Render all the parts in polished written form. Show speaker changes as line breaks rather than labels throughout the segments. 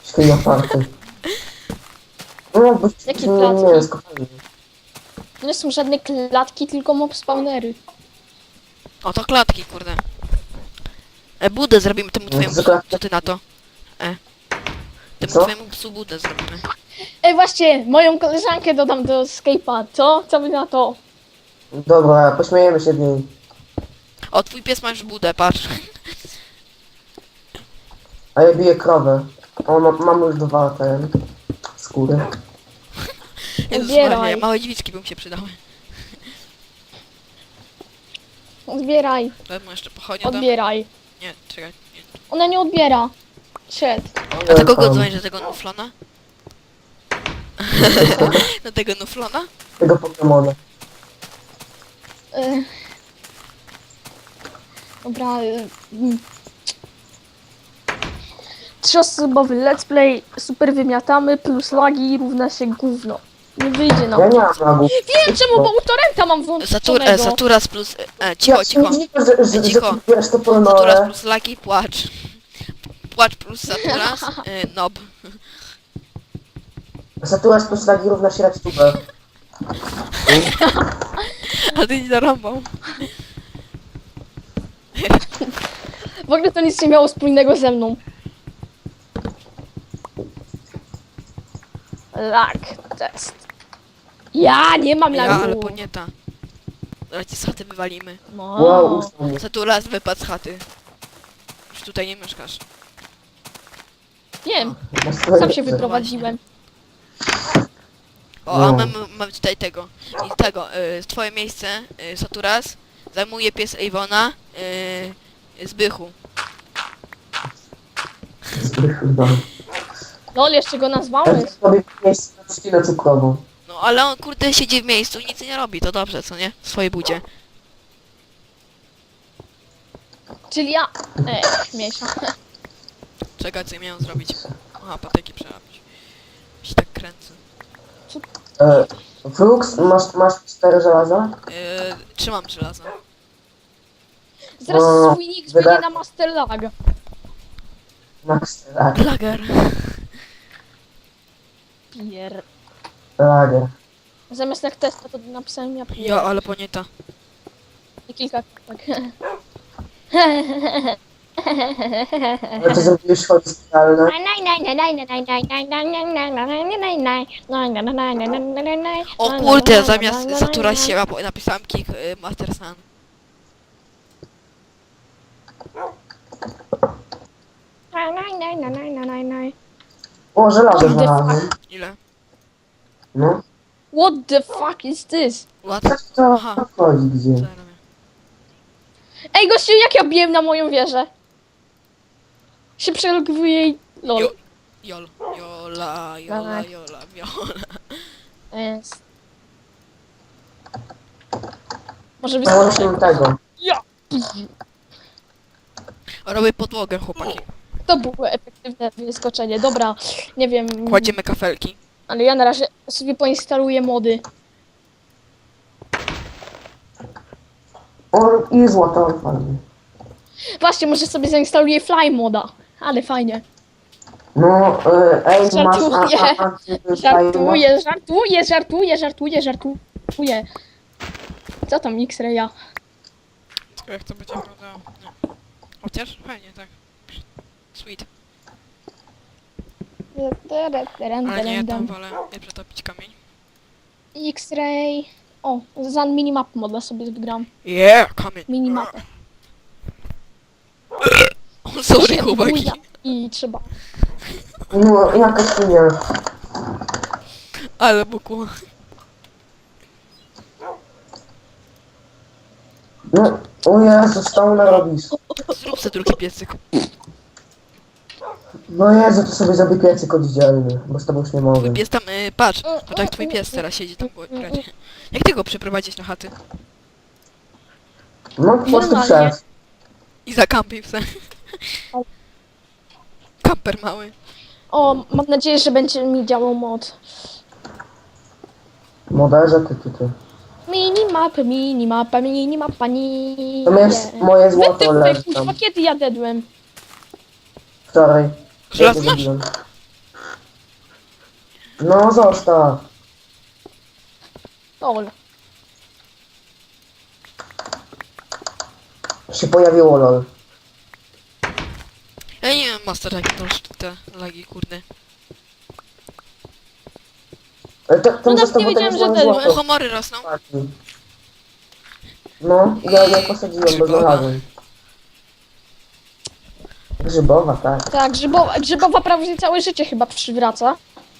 Świnia party. No, bo
Jakie
nie,
klatki?
nie jest kopalnia.
To nie są żadne klatki, tylko mob spawnery.
O, to klatki, kurde. Budę zrobimy temu twojemu psu. Co ty na to? Temu
Co?
twojemu psu budę zrobimy.
Ej, właśnie, moją koleżankę dodam do Skype'a, co? Co wy na to?
Dobra, pośmiejemy się z niej.
O, twój pies ma już budę, patrz.
A ja biję krowę. O, mam już dwa ten skóry.
Jezus
Odbieraj.
Maria, małe dziwiczki by mu się przydały.
Odbieraj,
Daj mu jeszcze pochodnię tam.
odbieraj.
Nie, czekaj. Nie.
Ona nie odbiera. Szedł.
A do kogo dzwonisz? Do tego nuflona? Do tego nuflona?
Tego Pokemona.
E, Dobra. 3-osobowy let's play, super wymiatamy, plus lagi równa się gówno. Nie wyjdzie nam.
Ja nie mam lagów.
Wiem czemu, bo u torrenta mam włączonego.
Saturas plus... cicho, cicho.
Że
Cicho.
wiesz to
Saturas
polnole.
plus lagi, płacz. Płacz plus Saturas, nob.
Saturas plus lagi równa się redstubę.
A ty nie zarąbał.
W ogóle to nic nie miało wspólnego ze mną. Lag test. Ja nie mam
Ja,
lagu.
ale nie ta. Zaraz ci z chaty wywalimy.
No.
Wow, ustał mnie.
Saturas, wypadł z chaty. Już tutaj nie mieszkasz.
Nie,
Na swoje-
sam się wyprowadziłem.
O,
No.
a mamy tutaj tego. I tego, twoje miejsce, Saturas, zajmuje pies Avona, Zbychu.
No.
Lol, jeszcze go
Ja
nazwałeś.
sobie miejsce na trzcinę cukrową.
No ale on kurde siedzi w miejscu i nic nie robi, to dobrze, co nie? W swojej budzie.
Czyli ja... mniejsza.
Czekaj, co ja miałem zrobić. Aha, patyki przerabić. Się tak kręcę.
Flux, masz 4 żelaza?
Trzymam żelazo.
Zaraz
No,
swój nick zmienię na Master Lag.
Max lag,
Lager.
Pier...
lager.
Zamiast jak testa to napisałem ja pier...
Ja, ale ponieta.
I kilka... Tak.
Ale ty zrobiłeś chody specjalne.
O kurde, zamiast Satura sieła, bo napisałem kick Master Sun.
O, żelazo
What the
znalazłem.
Ile?
No.
What the fuck is this?
What?
Co
Aha.
chodzi gdzie?
Co ja robię?
Ej gościu, jak ja biłem na moją wieżę? Się przelogowuje i... Lol.
Jo- Jol. Jola, jola,
Tak.
jola, jola.
Jest. Może
Założyłem
wyskoczę.
tego.
Ja!
Robię podłogę, chłopaki.
To było efektywne wyskoczenie. Dobra, nie wiem,
Kładziemy kafelki.
ale ja na razie sobie poinstaluję mody.
O, i złoto, fajnie.
Właśnie, może sobie zainstaluję fly moda. Ale fajnie.
No, ej, masz...
Żartuję.
Żartuję.
Żartuję. Co tam X-Raya?
Jak to będzie wyglądało? Nie. Chociaż fajnie, tak. Sweet. Ale nie, tam wolę nie przetopić kamień.
X-Ray. O, za minimap moda sobie wygram.
Yeah, kamień.
Minimapę.
O, sorry, chłopaki.
I trzeba.
No, jaka świnia.
Ale buku.
No, o Jezu, co tam narobisz?
Zrób sobie drugi piecyk.
No Jezu, to sobie zrobię piecyk oddzielny, bo z tobą już nie mogę.
Pies tam, patrz, patrz jak twój pies teraz siedzi tam w gracie. Jak ty go przyprowadzić na chaty?
No, po prostu
Normalnie.
przez.
I zakampił se. Kamper mały.
O, mam nadzieję, że będzie mi działał mod.
Moderze, ty.
Minimapa, nie.
To jest moje złoto leży
Wytyfy,
tam.
kurwa, kiedy ja dedłem?
Wczoraj.
Żelaz
Ja to
masz?
zrobiłem. No zostaw.
Lol.
Się pojawiło lol.
Ja nie wiem, master, jak to te lagi, kurde.
Ale to
No tak,
zostaw,
nie
bo to
wiedziałem,
jest
że
moje
ten-
O,
złoto.
homory rosną.
No, ja posadziłem, bo
Grzybowa.
znalazłem. Grzybowa, tak.
Tak, grzybowa prawie całe życie chyba przywraca.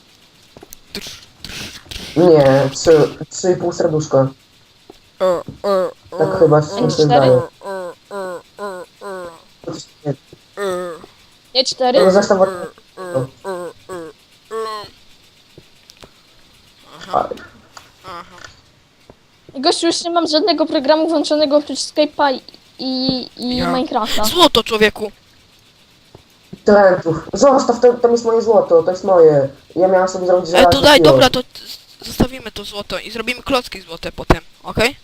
Nie, 3,5 serduszka. Tak chyba się
cztery?
wydaje.
Nie 4.
No zresztą...
Aha, aha.
Gościu, już nie mam żadnego programu włączonego oprócz Skype'a i
Ja.
Minecrafta.
Złoto, człowieku!
Talentów. Zostaw, tam jest moje złoto, to jest moje. Ja miałem sobie zrobić
Ale
żelazny
to daj,
kilo.
dobra, to zostawimy to złoto i zrobimy klocki złote potem, okej?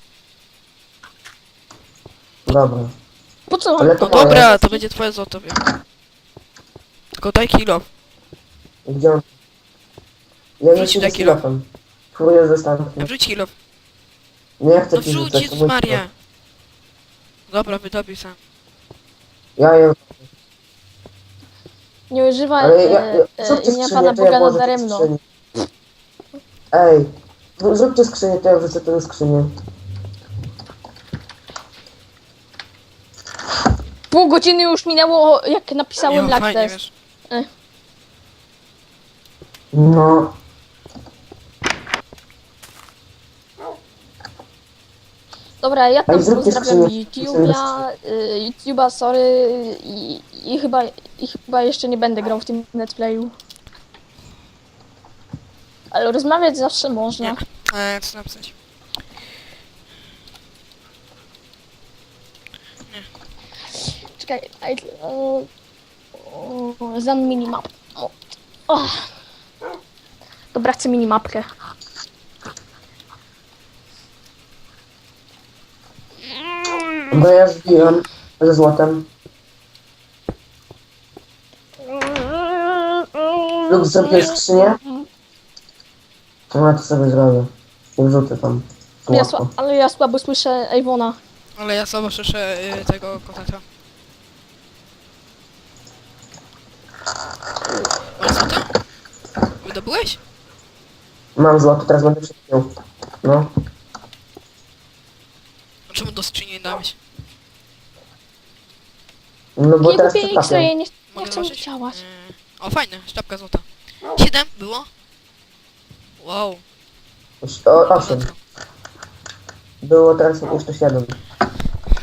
Dobra.
Po co?
Ale to
No
moje.
dobra, to będzie twoje złoto, wiem. Tylko daj kilo.
Gdzie on? Ja nie
Wrzuć
chcę
taki
z kilofem. Próbuję zostawić.
Wrzuć kilo.
Nie chcę
No
ci
wrzuć,
rzucać, to
Jezus
mój
Maria.
kilof.
Dobra, wydobił sam.
Ja je...
Nie używaj
Ale zróbcie
imienia
skrzynię,
Pana
to ja
Boga
włożę
nadaremno.
do skrzyni. Ej, zróbcie skrzynię, to ja wrzucę tę skrzynię.
Pół godziny już minęło, jak napisałem
Jo,
lag
fajnie,
test.
wiesz.
No.
Dobra, ja
Ej,
tam
zróbcie
pozdrawiam
skrzynię.
YouTube'a, sorry i chyba jeszcze nie będę grał w tym netplayu. Ale rozmawiać zawsze można.
Nie. Co napisać?
Czekaj, za minimap. O. Dobra, chcę minimapkę.
Bo ja zbiłem ze złotem. Lub zrobię skrzynię. No ja to sobie zrobię. I wrzucę tam złoto.
Ale ja słabo słyszę Ewona.
Ale ja sobie słyszę tego koteta. Masz złoto? Wydobyłeś?
Mam złoto, teraz będę przepił. No.
A czemu do skrzyni nie dałeś?
No bo
Nie
teraz
kupię
przepapiam.
X-ray, nie
Mogę
chcę
zobaczyć?
działać.
O, fajne, sztabka złota. 7 było? Wow.
8. Było teraz jeszcze 7.